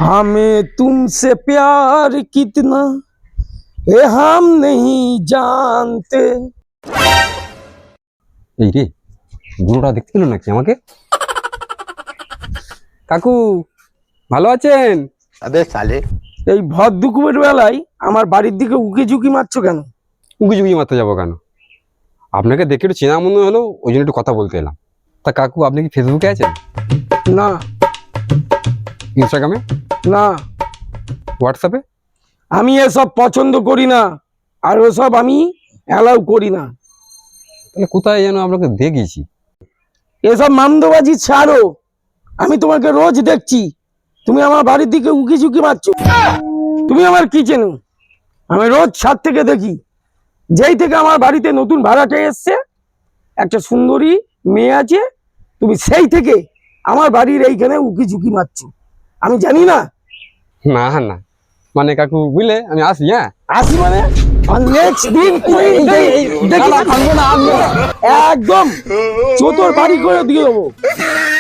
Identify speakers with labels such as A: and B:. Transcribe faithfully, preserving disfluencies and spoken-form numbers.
A: हमें तुमसे प्यार कितना ये हम नहीं जानते।
B: এই রে বুড়োটা দেখতে পেল নাকি আমাকে? কাকু ভালো আছেন?
C: अबे साले
A: এই ভর দুপুরের বেলায় আমার বাড়ির দিকে উকি ঝুঁকি মারছো কেন?
B: উকি ঝুঁকি মারতে যাবো কেন? আপনাকে দেখে একটু চেনা মনে হলো, ওই জন্য একটু কথা বলতে এলাম। তা কাকু আপনি কি ফেসবুকে আছেন?
A: না
B: ইনস্টাগ্রামে?
A: না,
B: হোয়াটসঅ্যাপে?
A: আমি এসব পছন্দ করি না, আর ওসব আমি অ্যালাউ করি না।
B: তাহলে কোথায় যেন আপনাকে দেখেছি।
A: এসব মামদোবাজি ছাড়ো, আমি তোমাকে রোজ দেখছি, তুমি আমার বাড়ির দিকে উকি ঝুঁকি মারছো। তুমি আমার কি চেনো? আমি রোজ ছাদ থেকে দেখি। যেই থেকে আমার বাড়িতে নতুন ভাড়াটে এসছে, একটা সুন্দরী মেয়ে আছে, তুমি সেই থেকে আমার বাড়ির এইখানে উকি ঝুঁকি মারছো। আমি জানি না?
B: না না, মানে কাকু বুঝলে আমি আসি। হ্যাঁ
A: আসি মানে নেক্সট দিন তুমি দেখি-
B: না, না, আনবো না, আনবো না।
A: একদম চোতর বাড়ি করে দিয়ে দেবো।